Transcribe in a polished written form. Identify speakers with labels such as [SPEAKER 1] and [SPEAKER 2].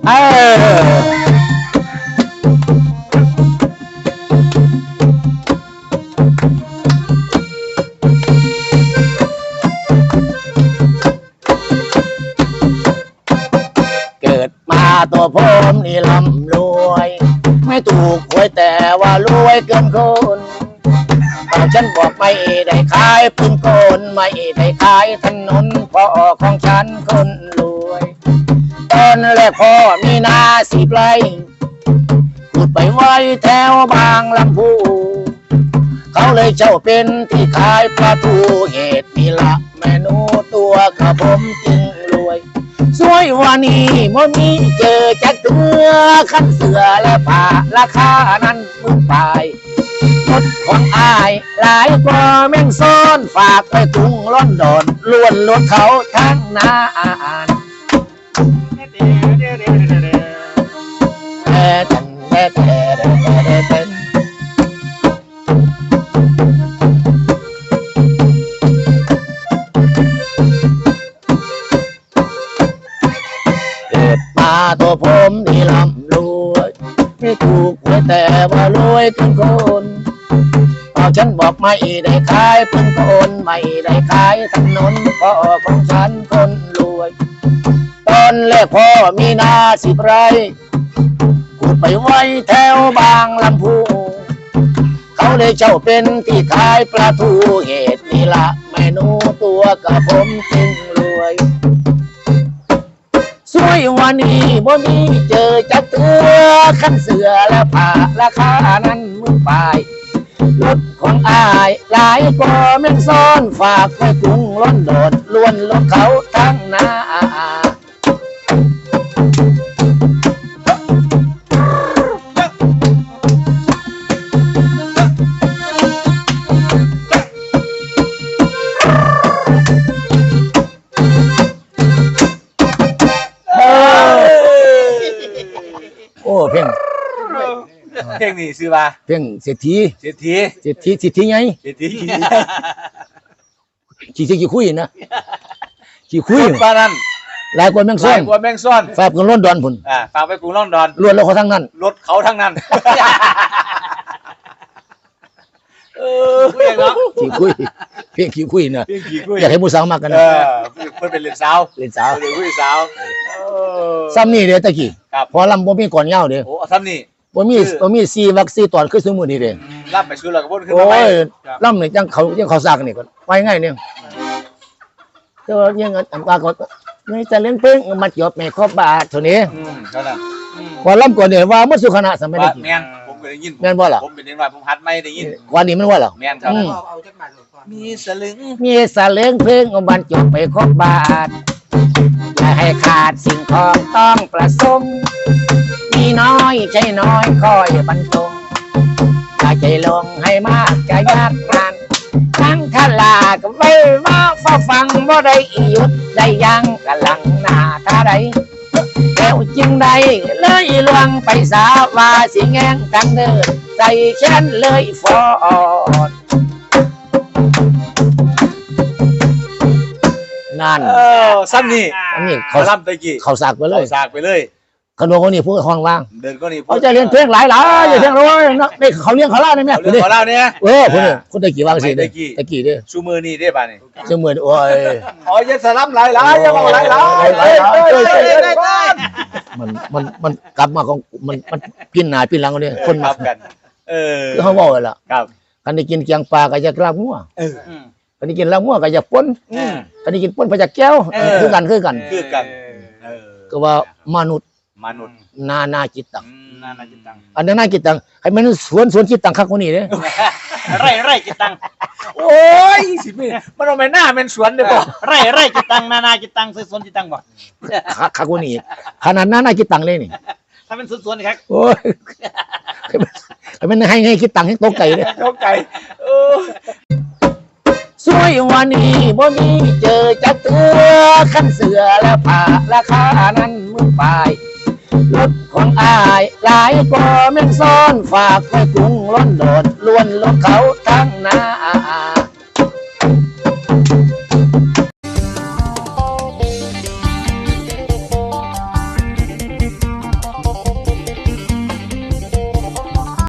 [SPEAKER 1] เอเกิดมาตัวผมนี่ร่ำรวยไม่ถูกหวยแต่ว่ารวยเกินคนแต่ฉันบอกไม่ได้ขายปืนกลไม่ได้ขายถนนพ่อของฉันคนรวยตอนแรกพ่อมีนา10 ไร่ขุดไปไว้แถวบางลำพูเขาเลยเจ้าเป็นที่ขายปลาทูเหตุนี่ละแม่หนูตัวกับผมจึงรวยสวยวันนี้มันมีเจอจักเตือขั้นเสือและผ้าราคานั้นมึงไปรถของอายหลายกว่าแม่งซ้อนฝากไปกรุงลอนดอนล้วนรถเขาทั้งนานเกิดมาตัวผมนี่ร่ำรวยไม่ถูกหวยแต่ว่ารวยทุกคนเอาฉันบอกไม่ได้ขายปืนกลไม่ได้ขายถนนพ่อของฉันคนรวยตอนแรกพ่อมีนา10 ไร่ขุดไปไว้แถวบางลำพูเขาเลยเจ้าเป็นที่ขายปลาทูเหตุนี่ละแม่หนูตัวกับผมจึงรวยสวยวันนี้บ่มีเจอจักเตือขั้นเสือและผ้าราคานั้นมึงไปรถของอายหลายกว่าแม่งซ้อนฝากไปกรุงลอนดอนล้วนรถเขาทั้งนาโอ้เพ่ง
[SPEAKER 2] นี่ซื้อมา
[SPEAKER 1] เพ่งเศรษฐี
[SPEAKER 2] เศรษฐี
[SPEAKER 1] ไง
[SPEAKER 2] เศรษฐี
[SPEAKER 1] ขี้คุยนะขี้คุย
[SPEAKER 2] ปลานั่น
[SPEAKER 1] หลายกว่าแมงซ่อนฝากกรุงลอนดอนพุ่น
[SPEAKER 2] ฝากไปกรุงลอนดอน
[SPEAKER 1] ล้วนรถเขาทั้งนั้น
[SPEAKER 2] รถเขาทั้งนั้น
[SPEAKER 1] ขี้คุยเพ่งขี้คุยนะอยากให้ผู้สาวมากกันนะ
[SPEAKER 2] เพิ่นเป็นเล่นสาว
[SPEAKER 1] เล่น
[SPEAKER 2] ผู้สาว
[SPEAKER 1] ซ้ำนี่เด้อตะกี้พอลำบ่มีก่อนยาวเด้อ
[SPEAKER 2] โอ้ซ้ำนี่
[SPEAKER 1] บ่มี4 วัก 4 ตอนคือสมมุตินี่เด้
[SPEAKER 2] ล่ำไปซื้อแล้วก็บ่ขึ้น
[SPEAKER 1] มา
[SPEAKER 2] ใหม่
[SPEAKER 1] โอ้ยล่ำนี่จังเขาซากนี่ก่อนไปง่ายเนี่ยแต่ว่ายังปากก็ไม่จะเล่นเพลงมาจบแม่ครบบาทเท่านี้
[SPEAKER 2] เท่านั้น
[SPEAKER 1] พอล่ำก่อนเนี่ยว่ามันสุขณะสมัยนี้
[SPEAKER 2] แม่นผมก็ได้ยิน
[SPEAKER 1] แม่นบ่ล่ะ
[SPEAKER 2] ผมเป็นเด็กน้อยผมหัดไม่ได้ยิน
[SPEAKER 1] วันนี้มันว่าล่ะ
[SPEAKER 2] แม่นครับมีสลึง
[SPEAKER 1] เพลงบรรจบไปครบบาทอย่าให้ขาดสิ่งของต้องประสมมีน้อยใจน้อยคอยบรรจงอย่าใจลงให้มากจะยากงานทั้งทลาก็ไม่มาฟ้าฟังบ่ได้หยุดได้ยังกำลังหน้าท่าใดแล้วจึงได้เลยลวงไปสาว่าสิแงงกันเดินใจฉันเลยฟอดนั่น
[SPEAKER 2] ซ้ำนี่
[SPEAKER 1] เขา
[SPEAKER 2] ล่ำตะกี้
[SPEAKER 1] เขาสากไปเลยขนมคนนี้พูดห้องว่าง
[SPEAKER 2] เดินก็นี่
[SPEAKER 1] เขาจะเรียนเพลงหลายอย่าเพลงร้อยนะนี่เขาเลี้ยงเขาล่าได้ไหม
[SPEAKER 2] เขาล่าเนี่ย
[SPEAKER 1] คนตะกี้ว่างสิตะกี้เด้อ
[SPEAKER 2] ชูมือนี่ได้ป่ะนี่
[SPEAKER 1] ชูมือโอ้ย
[SPEAKER 2] อ๋อยังสลับหลายยังเอาหลาย
[SPEAKER 1] มันกลับมาของมันกินหนาปีหลังเนี่ยคนมา
[SPEAKER 2] กัน
[SPEAKER 1] คือเขาบอกเลยล่ะกันได้กินเกียงปลาก็จะกล้างัวกันได้กินลางัวก็จะป้นกันได้กินป้นไปจากแก้วคือกันก็ว่ามนุษย์นาจิตตังอันนั้นนาจิตตังให้มันสวนจิตตังคักคนนี้เนี่ย
[SPEAKER 2] ไร่จิตตังโอ้ยสิมันเอาไปหน้าเป็นสวนเด้อบ่ไร่จิตตังนาจิตตังสวนจิตตังบ่
[SPEAKER 1] คักคนนี้ขนาดนาจิตตังเลยนี่
[SPEAKER 2] ถ้าเป็นสวนครับ
[SPEAKER 1] โอ้ยมันให้คิดตังให้โต๊ะไก่เลย
[SPEAKER 2] โต๊ะไก่
[SPEAKER 1] สวยวันนี้บ่มีเจอจักเตือขั้นเสือและผ้าราคานั้นมึงไปรถของอายหลายกว่าแม่งซ้อนฝากไปกรุงลอนดอนล้วนรถเขาทั้งนา